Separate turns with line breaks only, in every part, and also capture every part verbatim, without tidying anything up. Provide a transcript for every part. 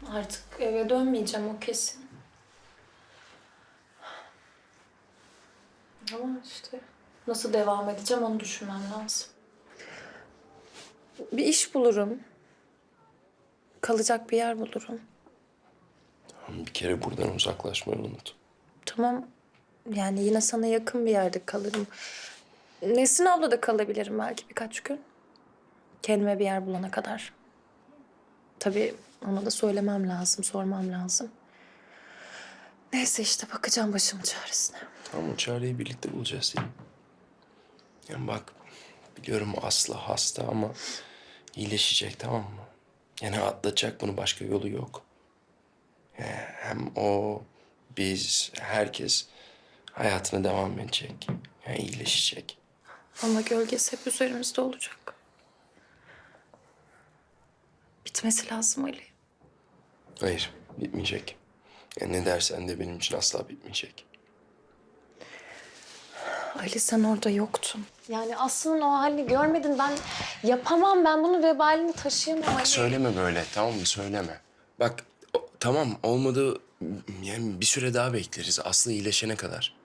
Artık eve dönmeyeceğim, o kesin. Ama işte nasıl devam edeceğim onu düşünmem lazım. Bir iş bulurum. Kalacak bir yer bulurum.
Tamam, bir kere buradan uzaklaşmayı unut.
Tamam. Yani yine sana yakın bir yerde kalırım. Nesrin abla da kalabilirim belki birkaç gün. Kendime bir yer bulana kadar. Tabii ona da söylemem lazım, sormam lazım. Neyse işte bakacağım başımın çaresine.
Tamam, o çareyi birlikte bulacağız Selim. Yani bak, biliyorum Aslı hasta ama iyileşecek, tamam mı? Yani atlatacak, bunu, başka yolu yok. Yani hem o, biz, herkes hayatına devam edecek. Yani iyileşecek.
Ama gölgesi hep üzerimizde olacak. Bitmesi lazım Ali.
Hayır, bitmeyecek. Yani ne dersen de benim için asla bitmeyecek.
Ali sen orada yoktun. Yani Aslı'nın o halini görmedin. Ben yapamam. Ben bunun vebalini taşıyamam Ali.
Söyleme böyle, tamam mı? Söyleme. Bak, o- tamam olmadı, yani bir süre daha bekleriz. Aslı iyileşene kadar.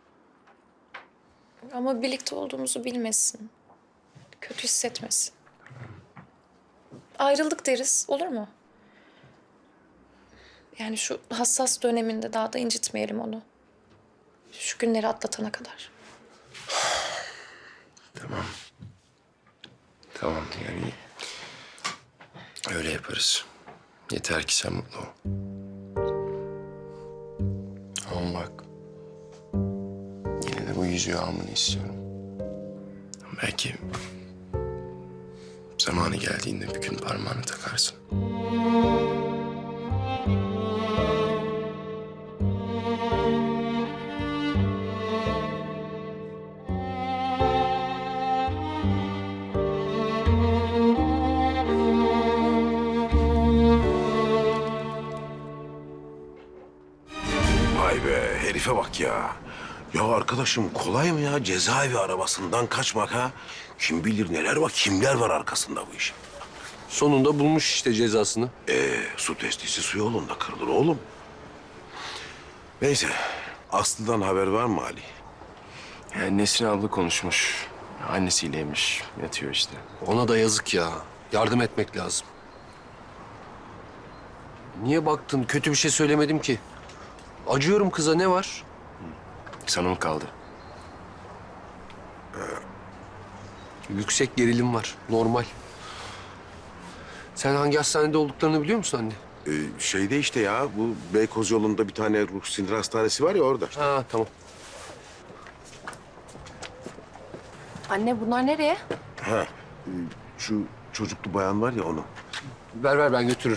Ama birlikte olduğumuzu bilmesin. Kötü hissetmesin. Ayrıldık deriz, olur mu? Yani şu hassas döneminde daha da incitmeyelim onu. Şu günleri atlatana kadar.
Tamam. Tamam, yani öyle yaparız. Yeter ki sen mutlu ol. Ama bak, yine de bu yüzüğü almanı istiyorum. Belki zamanı geldiğinde bir gün parmağını takarsın.
Vay be, herife bak ya. Ya arkadaşım kolay mı ya cezaevi arabasından kaçmak ha? Kim bilir neler var, kimler var arkasında bu işin.
Sonunda bulmuş işte cezasını.
Ee, su testisi su yolunda kırılır oğlum. Neyse, Aslı'dan haber var mı Ali?
Yani Nesrin abla konuşmuş. Annesiyleymiş, yatıyor işte.
Ona da yazık ya. Yardım etmek lazım. Niye baktın? Kötü bir şey söylemedim ki. Acıyorum kıza, ne var?
Sana mı kaldı?
Yüksek gerilim var. Normal. Sen hangi hastanede olduklarını biliyor musun anne?
Ee, şeyde işte ya, bu Beykoz yolunda bir tane ruh sinir hastanesi var ya orada.
Ha tamam.
Anne bunlar nereye?
Ha, e, şu çocuklu bayan var ya onu.
Ver ver, ben götürürüm.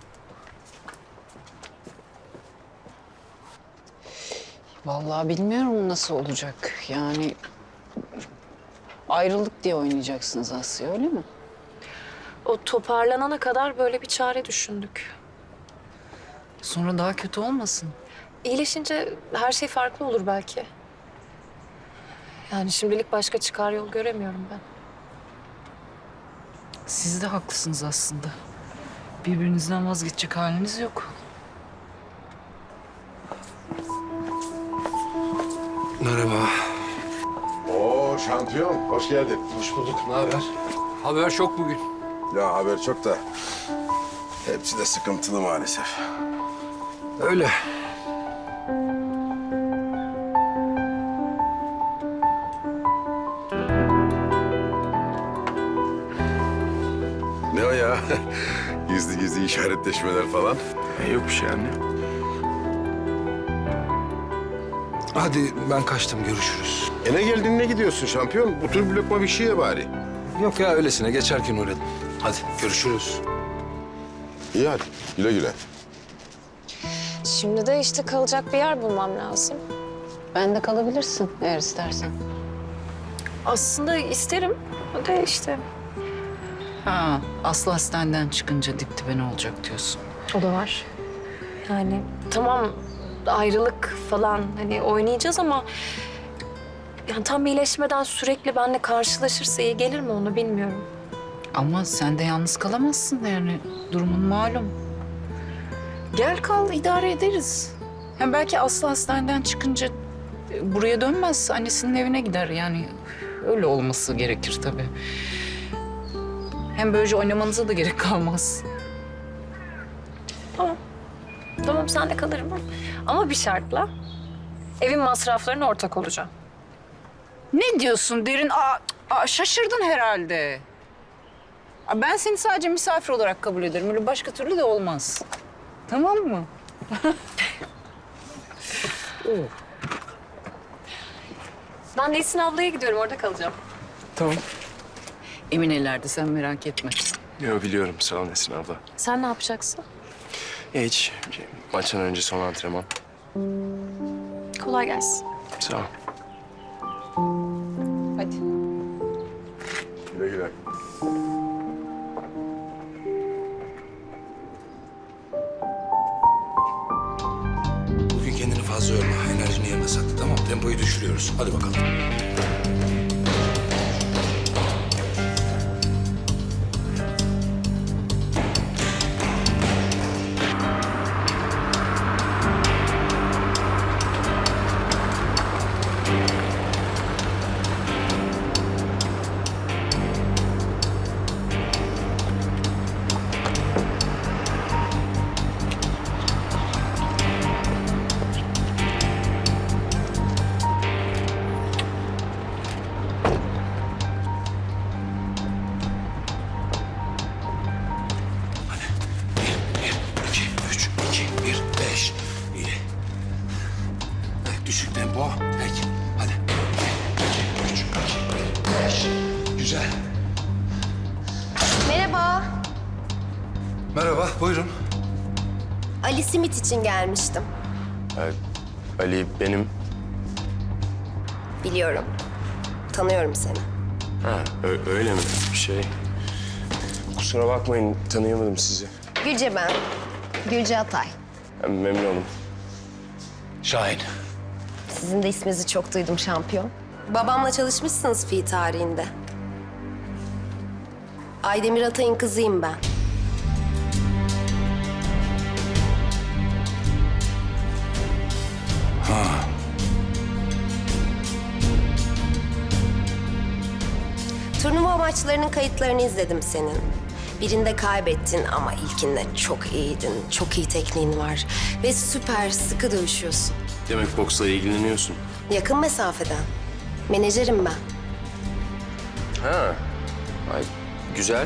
Vallahi bilmiyorum nasıl olacak. Yani ayrılık diye oynayacaksınız Asya, öyle mi?
O toparlanana kadar böyle bir çare düşündük.
Sonra daha kötü olmasın.
İyileşince her şey farklı olur belki. Yani şimdilik başka çıkar yol göremiyorum ben.
Siz de haklısınız aslında. Birbirinizden vazgeçecek haliniz yok.
Merhaba.
Oo şampiyon, hoş geldin.
Hoş bulduk. Ne haber? Haber şok bugün.
Ya haber çok da hepsi de sıkıntılı maalesef.
Öyle.
Ne o ya? Gizli gizli işaretleşmeler falan.
E, yok bir şey anne.
Hadi ben kaçtım, görüşürüz.
E ne geldin ne gidiyorsun şampiyon? Bu tür bir lokma bir şey ye bari.
Yok ya, öylesine geçerken uğradım. Hadi görüşürüz.
İyi hadi güle güle.
Şimdi de işte kalacak bir yer bulmam lazım.
Ben de kalabilirsin eğer istersen.
Aslında isterim. O da işte.
Ha, Aslı hastaneden çıkınca dip dibe ne olacak diyorsun.
O da var. Yani tamam ayrılık falan hani oynayacağız ama... Yani tam iyileşmeden sürekli benimle karşılaşırsa iyi gelir mi onu bilmiyorum.
Ama sen de yalnız kalamazsın yani. Durumun malum. Gel kal, idare ederiz. Hem belki Aslı hastaneden çıkınca e, buraya dönmez. Annesinin evine gider yani. Öyle olması gerekir tabii. Hem böylece oynamanıza da gerek kalmaz.
Tamam. Tamam sen de kalırım. Ama bir şartla. Evin masraflarına ortak olacağım.
Ne diyorsun Derin? Aa, aa, şaşırdın herhalde. Aa, ben seni sadece misafir olarak kabul ederim. Öyle başka türlü de olmaz. Tamam mı?
Ben Nesin ablaya gidiyorum. Orada kalacağım.
Tamam.
Emin ellerde, sen merak etme.
Yo, biliyorum. Sağ ol Nesin abla.
Sen ne yapacaksın?
Hiç. Maçtan önce son antrenman.
Kolay gelsin.
Sağ ol.
Hadi.
Güle güle.
Bugün kendini fazla yorma. Enerjini yerine sakla, tamam mı? Tempoyu düşürüyoruz. Hadi bakalım. Bir, iki, üç, iki, bir, beş. İyi. Evet, düşük tempo. Peki, hadi. Bir, üç, iki, bir, beş. Güzel.
Merhaba.
Merhaba, buyurun.
Ali Simit için gelmiştim.
Ee, Ali benim.
Biliyorum. Tanıyorum seni.
Ha, ö- öyle mi? Şey... Kusura bakmayın, tanıyamadım sizi.
Gülce ben. Gülce Atay.
Ben memnun oldum.
Şahin.
Sizin de isminizi çok duydum şampiyon. Babamla çalışmışsınız fi tarihinde. Aydemir Atay'ın kızıyım ben. Turnuva maçlarının kayıtlarını izledim senin. Birinde kaybettin ama ilkinde çok iyiydin. Çok iyi tekniğin var. Ve süper sıkı dövüşüyorsun.
Demek boksla ilgileniyorsun.
Yakın mesafeden. Menajerim ben.
Ha. Ay, güzel.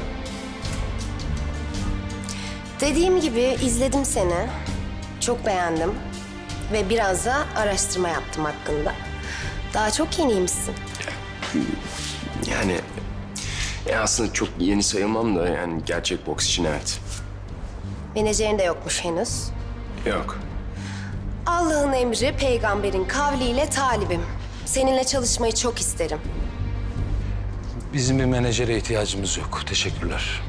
Dediğim gibi izledim seni. Çok beğendim. Ve biraz da araştırma yaptım hakkında. Daha çok yeniymişsin.
Yani... Ya aslında çok yeni sayılmam da yani gerçek boks için evet.
Menajerin de yokmuş henüz.
Yok.
Allah'ın emri, peygamberin kavliyle talibim. Seninle çalışmayı çok isterim.
Bizim bir menajere ihtiyacımız yok. Teşekkürler.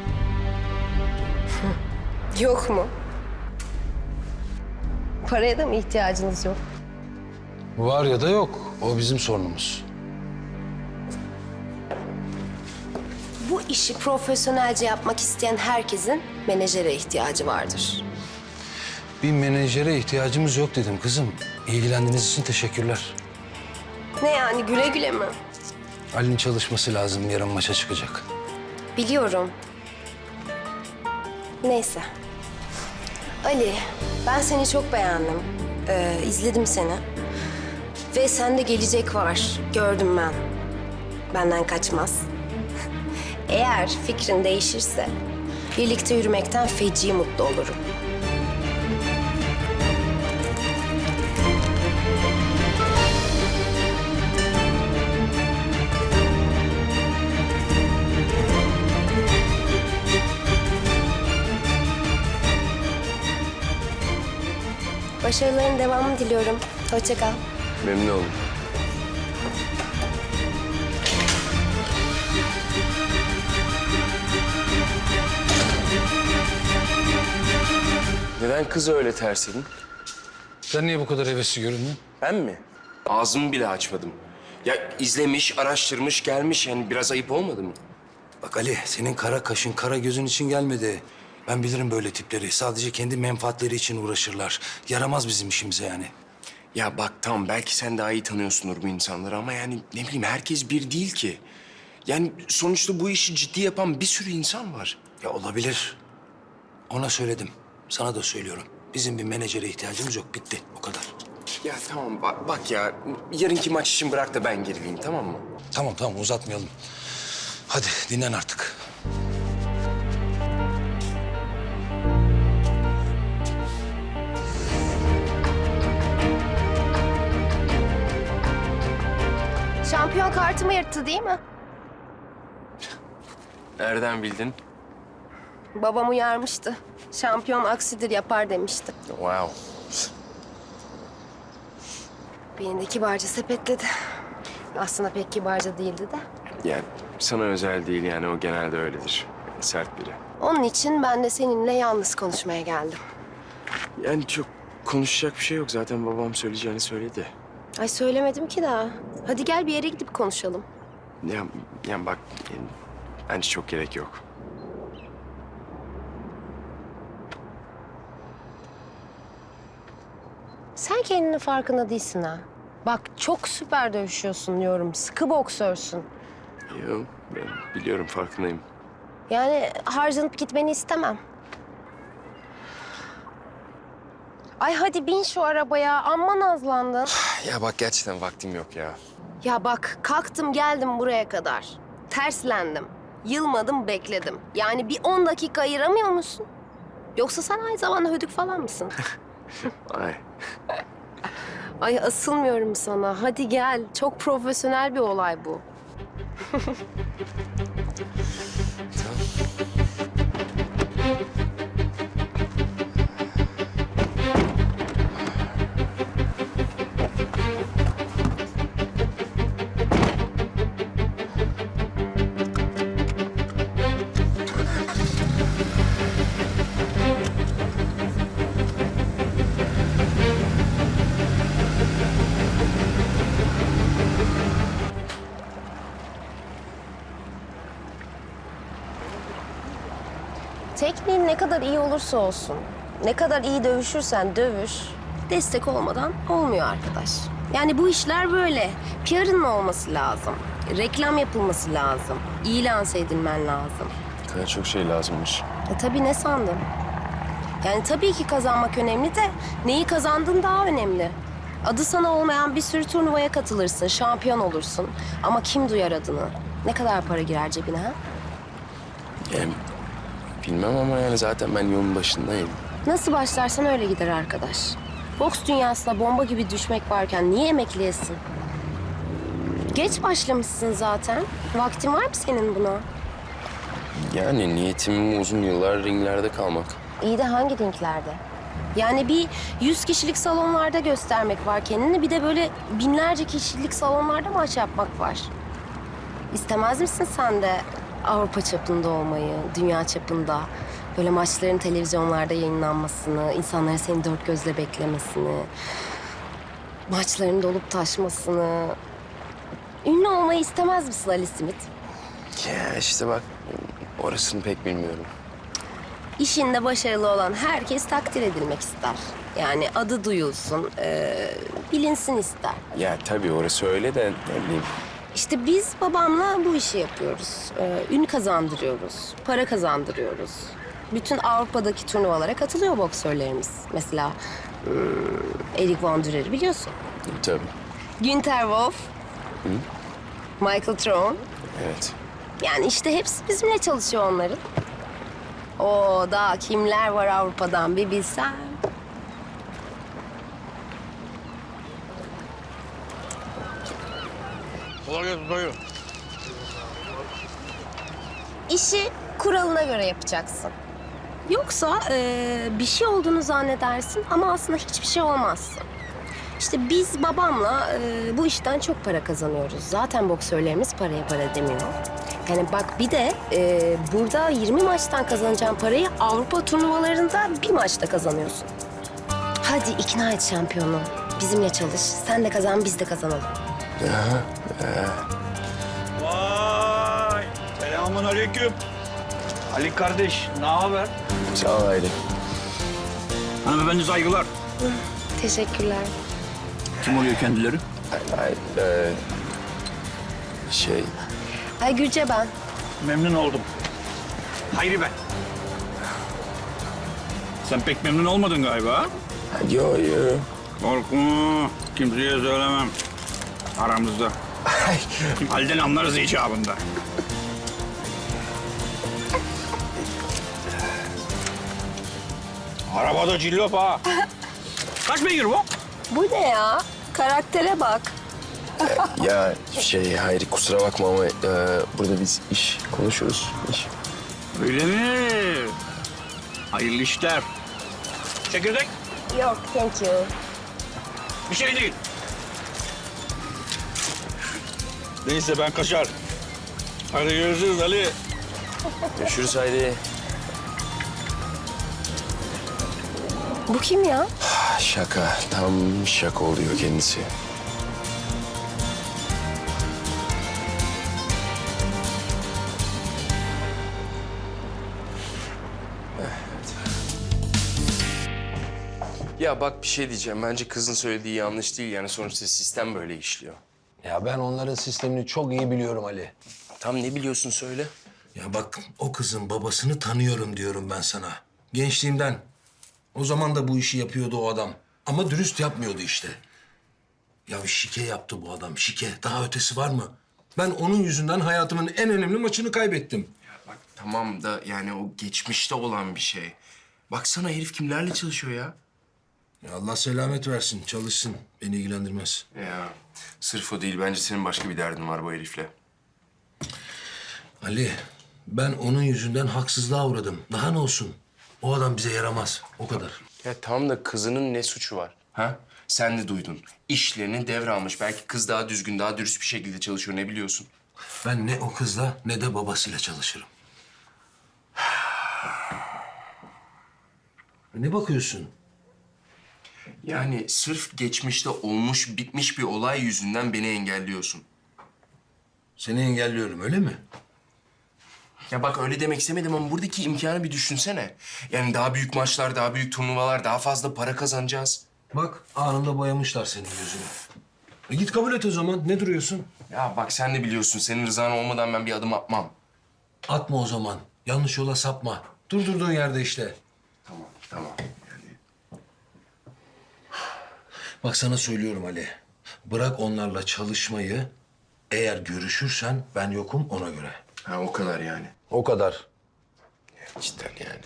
Yok mu? Paraya da mı ihtiyacınız yok?
Var ya da yok. O bizim sorunumuz.
Bu işi profesyonelce yapmak isteyen herkesin menajere ihtiyacı vardır.
Bir menajere ihtiyacımız yok dedim kızım. İlgilendiğiniz için teşekkürler.
Ne yani güle güle mi?
Ali'nin çalışması lazım. Yarın maça çıkacak.
Biliyorum. Neyse. Ali, ben seni çok beğendim. Ee, izledim seni. Ve sende gelecek var. Gördüm ben. Benden kaçmaz. Eğer fikrin değişirse birlikte yürümekten feci mutlu olurum. Başarıların devamını diliyorum. Hoşça kal.
Memnun oldum. Neden kızı öyle tersledin?
Sen niye bu kadar hevesli göründün?
Ben mi? Ağzımı bile açmadım. Ya izlemiş, araştırmış, gelmiş. Yani biraz ayıp olmadı mı?
Bak Ali, senin kara kaşın, kara gözün için gelmedi. Ben bilirim böyle tipleri. Sadece kendi menfaatleri için uğraşırlar. Yaramaz bizim işimize yani.
Ya bak tamam belki sen daha iyi tanıyorsundur bu insanları ama yani ne bileyim herkes bir değil ki. Yani sonuçta bu işi ciddi yapan bir sürü insan var.
Ya olabilir. Ona söyledim. Sana da söylüyorum. Bizim bir menajere ihtiyacımız yok. Bitti. O kadar.
Ya tamam bak, bak ya yarınki maç için bırak da ben gerileyim tamam mı?
Tamam tamam uzatmayalım. Hadi dinlen artık.
Şampiyon kartımı yırttı değil mi?
Nereden bildin?
Babam uyarmıştı. Şampiyon aksidir yapar demişti.
Wow.
Beni de kibarca sepetledi. Aslında pek kibarca değildi de.
Yani sana özel değil yani o genelde öyledir. Sert biri.
Onun için ben de seninle yalnız konuşmaya geldim.
Yani çok konuşacak bir şey yok. Zaten babam söyleyeceğini söyledi.
Ay söylemedim ki daha. Hadi gel bir yere gidip konuşalım.
Ya, yani bak yani, bence çok gerek yok.
Sen kendinin farkında değilsin ha. Bak çok süper dövüşüyorsun diyorum. Sıkı boksörsün.
Yok ben biliyorum farkındayım.
Yani harcanıp gitmeni istemem. Ay hadi bin şu arabaya. Amma nazlandın.
Ya bak gerçekten vaktim yok ya.
Ya bak kalktım geldim buraya kadar. Terslendim. Yılmadım bekledim. Yani bir on dakika ayıramıyor musun? Yoksa sen aynı zamanda hödük falan mısın?
Ay.
Ay asılmıyorum sana. Hadi gel. Çok profesyonel bir olay bu. Tekniğin ne kadar iyi olursa olsun, ne kadar iyi dövüşürsen dövüş, destek olmadan olmuyor arkadaş. Yani bu işler böyle. P R'ın olması lazım. Reklam yapılması lazım. İyi lanse edilmen lazım.
Ne kadar çok şey lazımmış.
E tabii ne sandın? Yani tabii ki kazanmak önemli de neyi kazandığın daha önemli. Adı sana olmayan bir sürü turnuvaya katılırsın, şampiyon olursun. Ama kim duyar adını? Ne kadar para girer cebine ha?
Yani bilmem ama yani zaten ben yolun başındayım.
Nasıl başlarsan öyle gider arkadaş. Boks dünyasına bomba gibi düşmek varken niye emekliyesin? Geç başlamışsın zaten. Vaktin var mı senin buna?
Yani niyetim uzun yıllar ringlerde kalmak.
İyi de hangi ringlerde? Yani bir yüz kişilik salonlarda göstermek var kendini. Bir de böyle binlerce kişilik salonlarda maç yapmak var. İstemez misin sen de Avrupa çapında olmayı, dünya çapında? Böyle maçların televizyonlarda yayınlanmasını, insanların seni dört gözle beklemesini, maçların dolup taşmasını. Ünlü olmayı istemez misin Ali Simit?
Ya işte bak orasını pek bilmiyorum.
İşinde başarılı olan herkes takdir edilmek ister. Yani adı duyulsun, ee, bilinsin ister.
Ya tabii orası öyle de ne bileyim.
İşte biz babamla bu işi yapıyoruz. Ee, ün kazandırıyoruz, para kazandırıyoruz. Bütün Avrupa'daki turnuvalara katılıyor boksörlerimiz. Mesela hmm, Erik Van Dürer'i biliyorsun.
Tabii.
Günter Wolf, Michael Tron.
Evet.
Yani işte hepsi bizimle çalışıyor onların. O da kimler var Avrupa'dan bir bilsen.
Kolay gelsin dayı.
İşi kuralına göre yapacaksın. Yoksa e, bir şey olduğunu zannedersin ama aslında hiçbir şey olmazsın. İşte biz babamla e, bu işten çok para kazanıyoruz. Zaten boksörlerimiz paraya para demiyor. Yani bak bir de e, burada yirmi maçtan kazanacağın parayı Avrupa turnuvalarında bir maçta kazanıyorsun. Hadi ikna et şampiyonu. Bizimle çalış. Sen de kazan, biz de kazanalım.
Vay! Selamun aleyküm. Ali kardeş, ne haber?
Sağ ol Hayri.
Hanımefendi saygılar.
Teşekkürler.
Kim oluyor kendileri?
Hayır, e, şey...
Ay Gülce ben.
Memnun oldum. Hayri ben. Sen pek memnun olmadın galiba.
Yo yo.
Korkma, kimseye söylemem. Aramızda. Halden anlarız icabında. Arabada cillop ha. Kaç beygir bu?
Bu ne ya? Karaktere bak.
Ya şey Hayri kusura bakma ama e, burada biz iş konuşuyoruz. İş.
Öyle mi? Hayırlı işler. Çekirdek?
Yok, thank you.
Bir şey değil. Neyse ben kaçar. Hadi görüşürüz Ali.
Görüşürüz Hayri.
Bu kim ya?
Şaka. Tam şaka oluyor kendisi. Ya bak bir şey diyeceğim. Bence kızın söylediği yanlış değil. Yani sonuçta sistem böyle işliyor.
Ya ben onların sistemini çok iyi biliyorum Ali.
Tam ne biliyorsun söyle.
Ya bak o kızın babasını tanıyorum diyorum ben sana. Gençliğimden. O zaman da bu işi yapıyordu o adam. Ama dürüst yapmıyordu işte. Ya şike yaptı bu adam, şike. Daha ötesi var mı? Ben onun yüzünden hayatımın en önemli maçını kaybettim.
Bak tamam da yani o geçmişte olan bir şey. Baksana herif kimlerle çalışıyor ya.
Ya Allah selamet versin, çalışsın. Beni ilgilendirmez.
Ya sırf o değil. Bence senin başka bir derdin var bu herifle.
Ali, ben onun yüzünden haksızlığa uğradım. Daha ne olsun? O adam bize yaramaz. O kadar.
Ya tamam da kızının ne suçu var? Ha? Sen de duydun. İşlerini devralmış. Belki kız daha düzgün, daha dürüst bir şekilde çalışıyor. Ne biliyorsun?
Ben ne o kızla ne de babasıyla çalışırım. Ne bakıyorsun?
Yani sırf geçmişte olmuş, bitmiş bir olay yüzünden beni engelliyorsun.
Seni engelliyorum, öyle mi?
Ya bak öyle demek istemedim ama buradaki imkanı bir düşünsene. Yani daha büyük maçlar, daha büyük turnuvalar, daha fazla para kazanacağız.
Bak anında boyamışlar senin gözünü. E git kabul et o zaman. Ne duruyorsun?
Ya bak sen de biliyorsun. Senin rızan olmadan ben bir adım atmam.
Atma o zaman. Yanlış yola sapma. Dur durduğun yerde işte.
Tamam, tamam. Yani...
Bak sana söylüyorum Ali. Bırak onlarla çalışmayı. Eğer görüşürsen ben yokum ona göre.
Ha o kadar yani.
O kadar.
Cidden yani.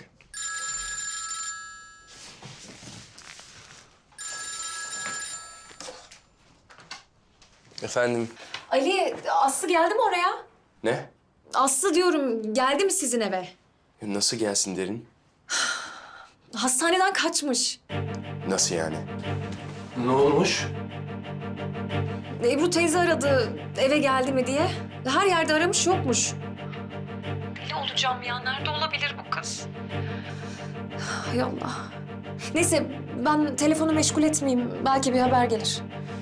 Efendim,
Ali, Aslı geldi mi oraya?
ne?
Aslı diyorum, geldi mi sizin eve?
Nasıl gelsin derin?
Hastaneden kaçmış.
Nasıl yani?
Ne olmuş?
Ebru teyze aradı, eve geldi mi diye. Her yerde aramış, yokmuş. Deli olacağım ya, nerede olabilir bu kız? Hay Allah. Neyse, ben telefonu meşgul etmeyeyim. Belki bir haber gelir.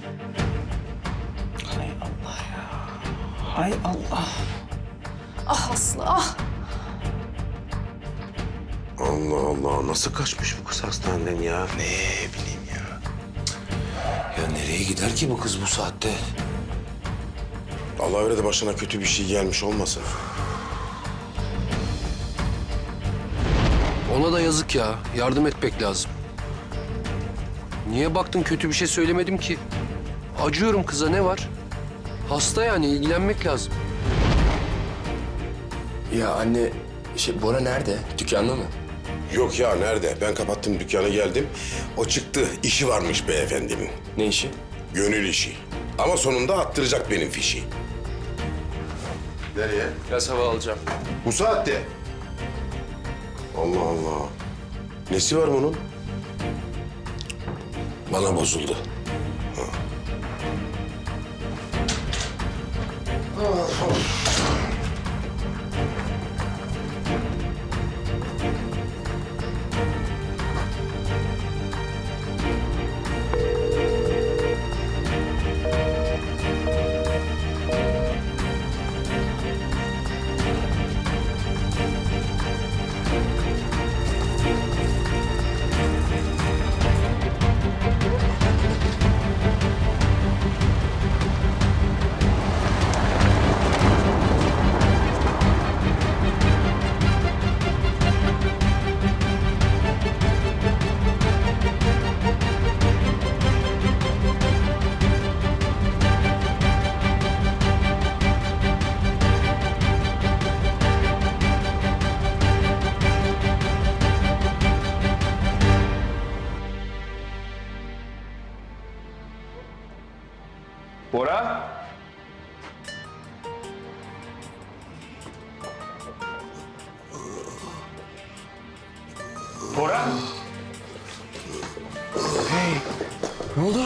Hay Allah ya. Hay Allah.
Ah Aslı, ah!
Allah Allah, nasıl kaçmış bu kız hastaneden ya?
Ne bileyim ya.
Ya nereye gider ki bu kız bu saatte?
Allah öyle de başına kötü bir şey gelmiş olmasın.
Ona da yazık ya. Yardım etmek lazım. Niye baktın kötü bir şey söylemedim ki? Acıyorum kıza, ne var? Hasta yani, ilgilenmek lazım.
Ya anne, şey Bora nerede? Dükkanda mı?
Yok ya, nerede? Ben kapattım dükkanı, geldim. O çıktı, işi varmış beyefendinin.
Ne işi?
Gönül işi. Ama sonunda attıracak benim fişi. Nereye?
Biraz hava alacağım.
Bu saatte. Allah Allah. Nesi var bunun?
Bana bozuldu.
Bora? Bora? Hey, ne oldu?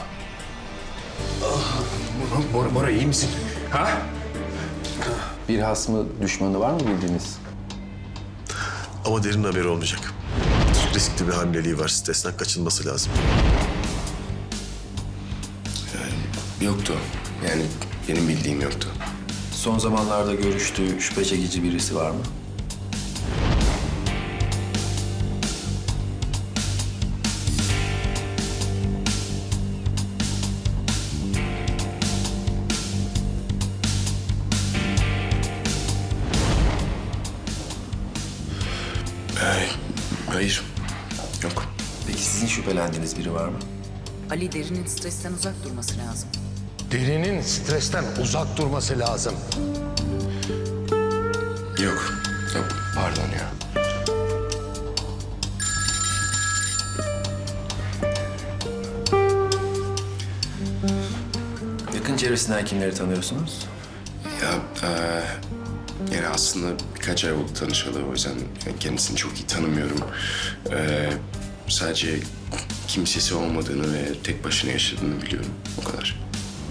Bora, Bora iyi misin? Ha?
Bir hasmı, düşmanı var mı bildiğiniz?
Ama Derin haberi olmayacak. Riskli bir hamileliği var. Stresten kaçınması lazım.
Yoktu. Yani benim bildiğim yoktu.
Son zamanlarda görüştüğü şüphe çekici birisi var mı?
Hayır. Hayır. Yok.
Peki sizin şüphelendiğiniz biri var mı?
Ali Derin'in stresten uzak durması lazım.
Derinin stresten uzak durması lazım.
Yok. Yok. Pardon ya.
Yakın çevresinden kimleri tanıyorsunuz?
Ya eee, yani aslında birkaç ay oldu tanışalı. O yüzden kendisini çok iyi tanımıyorum. Eee, sadece kimsesi olmadığını ve tek başına yaşadığını biliyorum. O kadar.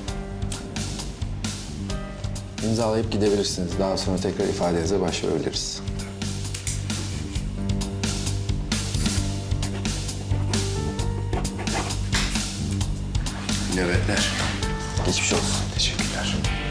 İmzalayıp gidebilirsiniz. Daha sonra tekrar ifadenize başvurabiliriz.
Nöbetler.
Geçmiş olsun.
Teşekkürler.